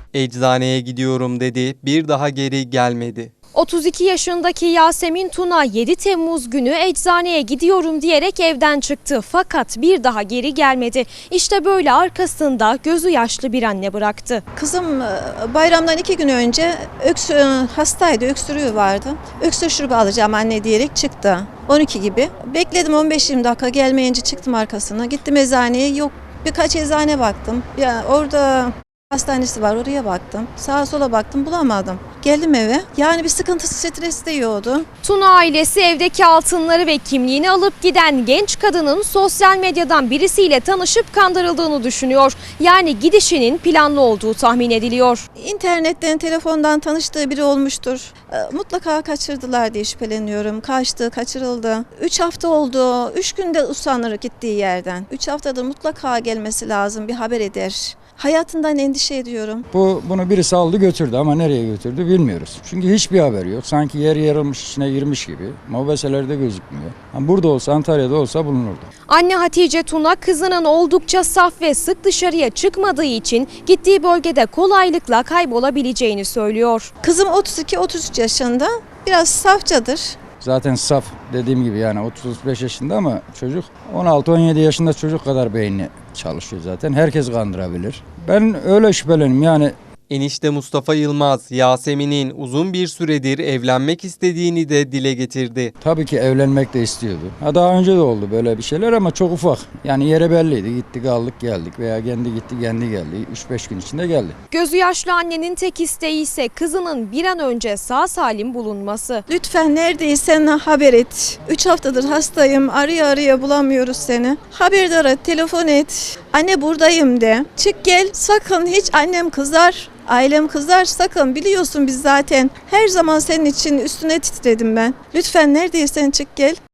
Eczaneye gidiyorum dedi, bir daha geri gelmedi. 32 yaşındaki Yasemin Tuna 7 Temmuz günü eczaneye gidiyorum diyerek evden çıktı. Fakat bir daha geri gelmedi. İşte böyle arkasında gözü yaşlı bir anne bıraktı. Kızım bayramdan 2 gün önce hastaydı, öksürüğü vardı. Öksürük şurubu alacağım anne diyerek çıktı. 12 gibi. Bekledim 15-20 dakika, gelmeyince çıktım arkasına. Gittim eczaneye, yok. Birkaç eczane baktım. Ya orada hastanesi var, oraya baktım. Sağa sola baktım, bulamadım. Geldim eve. Yani bir sıkıntısı, stresi de yiyordu. Tuna ailesi evdeki altınları ve kimliğini alıp giden genç kadının sosyal medyadan birisiyle tanışıp kandırıldığını düşünüyor. Yani gidişinin planlı olduğu tahmin ediliyor. İnternetten, telefondan tanıştığı biri olmuştur. Mutlaka kaçırdılar diye şüpheleniyorum. Kaçtı, kaçırıldı. 3 hafta oldu. 3 günde usanır gittiği yerden. 3 haftadır mutlaka gelmesi lazım, bir haber eder. Hayatından endişe ediyorum. Bunu birisi aldı götürdü ama nereye götürdü bilmiyoruz. Çünkü hiçbir haber yok. Sanki yer yarılmış, içine girmiş gibi. Mobeselerde gözükmüyor. Burada olsa, Antalya'da olsa bulunurdu. Anne Hatice Tuna kızının oldukça saf ve sık dışarıya çıkmadığı için gittiği bölgede kolaylıkla kaybolabileceğini söylüyor. Kızım 32-33 yaşında. Biraz safçadır. Zaten saf, dediğim gibi, yani 30-35 yaşında ama çocuk 16-17 yaşında çocuk kadar beyni çalışıyor zaten. Herkes kandırabilir. Ben öyle şüphelenim yani. Enişte Mustafa Yılmaz, Yasemin'in uzun bir süredir evlenmek istediğini de dile getirdi. Tabii ki evlenmek de istiyordu. Daha önce de oldu böyle bir şeyler ama çok ufak. Yani yere belliydi. Gittik, aldık, geldik veya kendi gitti, kendi geldi. 3-5 gün içinde geldi. Gözü yaşlı annenin tek isteği ise kızının bir an önce sağ salim bulunması. Lütfen neredeysen haber et. 3 haftadır hastayım. Araya bulamıyoruz seni. Haberdar et, telefon et. Anne buradayım de. Çık gel. Sakın, hiç annem kızar. Ailem kızar, sakın, biliyorsun biz zaten her zaman senin için üstüne titredim ben. Lütfen neredeysen çık gel.